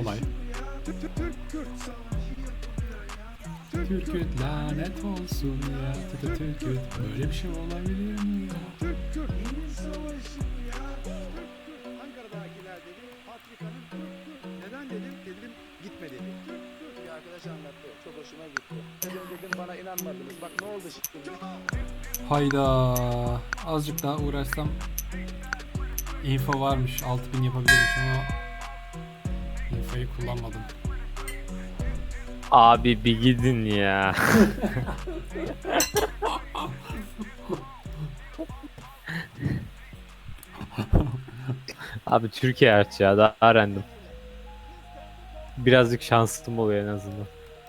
Olay. Türküt lanet olsun ya. Türküt böyle bir şey olabilir mi ya? Ankara'dakiler dedi, Afrika'nın neden dedim gitme dedi. Bir arkadaş anlattı, çok hoşuma gitti. Dedim bana inanmadınız, bak ne oldu şimdi. Hayda. Azıcık daha uğraşsam info varmış. 6000 yapabilirmiş ama infoyu kullanmadım. Abi bir gidin ya. Abi Türkiye hariç ya daha random. Birazcık şanslım oluyor en azından.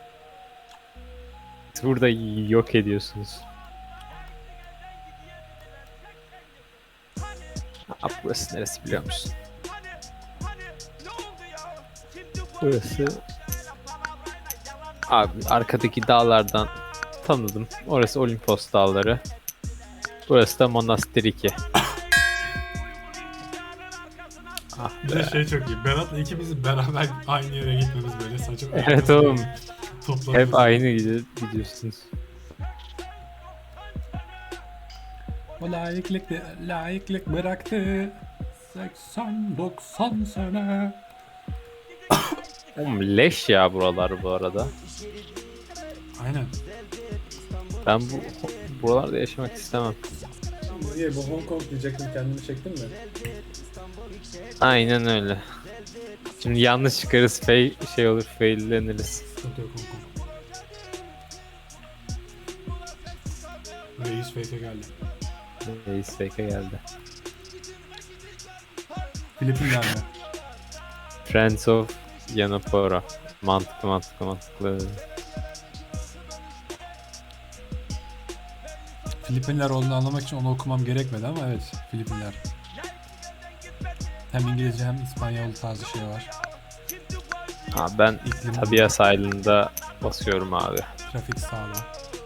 Burada yok ediyorsunuz. Abi burası neresi biliyor musun? Burası... Abi arkadaki dağlardan tanıdım. Orası Olimpos dağları. Burası da Monastir 2. Ah Bir de şey çok iyi. Berat'la ikimiz beraber aynı yere gitmemiz böyle saçma. Evet oğlum. Toplanıyoruz. Hep aynı gidiyorsunuz. O layıklık bıraktı. 80-90 sene. Oğlum leş ya buralar bu arada. Aynen. Ben buralarda yaşamak istemem. Niye bu Hong Kong diyecektim, kendimi çektim mi? Aynen öyle. Şimdi yanlış çıkarız, şey olur, failleniriz. Sıkıntı yok Hong Kong. Reis fake'e geldi. Reis fake'e geldi. Filipinler mi? Friends of Yanapora. Mantıklı. Filipinler olduğunu anlamak için onu okumam gerekmedi ama evet, Filipinler. Hem İngilizce hem İspanyol tarzı şey var. Ha, ben İklim- Tabia sahilinde basıyorum abi. Trafik sağlığı.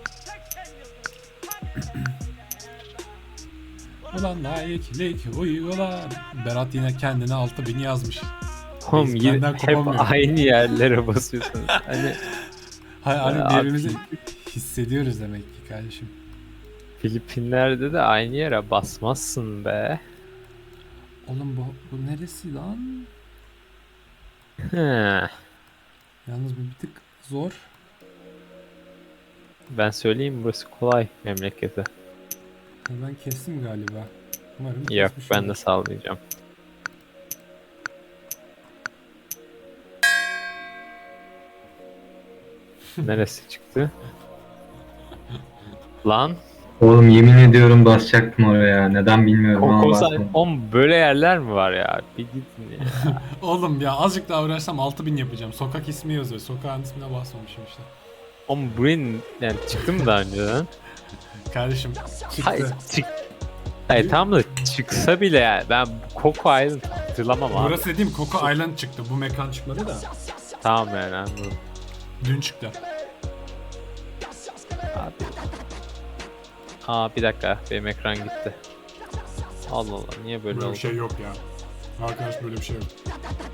Ulan layıklık uygula. Berat yine kendine 6000 yazmış. Oğlum Biz yine benden hep kopamıyor. aynı yerlere basıyorsunuz. Hani Hani Abi- birbirimizi hissediyoruz demek ki kardeşim. Filipinler'de de aynı yere basmazsın be. Oğlum bu neresi lan? He. Yalnız bu bir tık zor. Ben söyleyeyim burası kolay memleketi. Ben kestim galiba. Umarım Yok kesmiş ben de olur. sallayacağım. Neresi çıktı? Lan Oğlum yemin ediyorum basacaktım oraya. Neden bilmiyorum ama Kokosa bastım. böyle yerler mi var ya? Bir gidin ya. Oğlum ya azıcık daha uğraşsam 6000 yapacağım. Sokak ismi yazıyor. Sokağın ismine basmamışım işte. Oğlum buraya yani çıktı mı daha önceden? Kardeşim çıktı. Hayır tamam da çıksa bile yani ben Coco Island hatırlamam abi. Burası dediğim Coco Island çıktı. Bu mekan çıkmadı da. Tamam yani anladım. Dün çıktı. Abi. Aa bir dakika benim ekran gitti. Allah Allah niye böyle Böyle oldu? bir şey yok ya. Arkadaş böyle bir şey yok.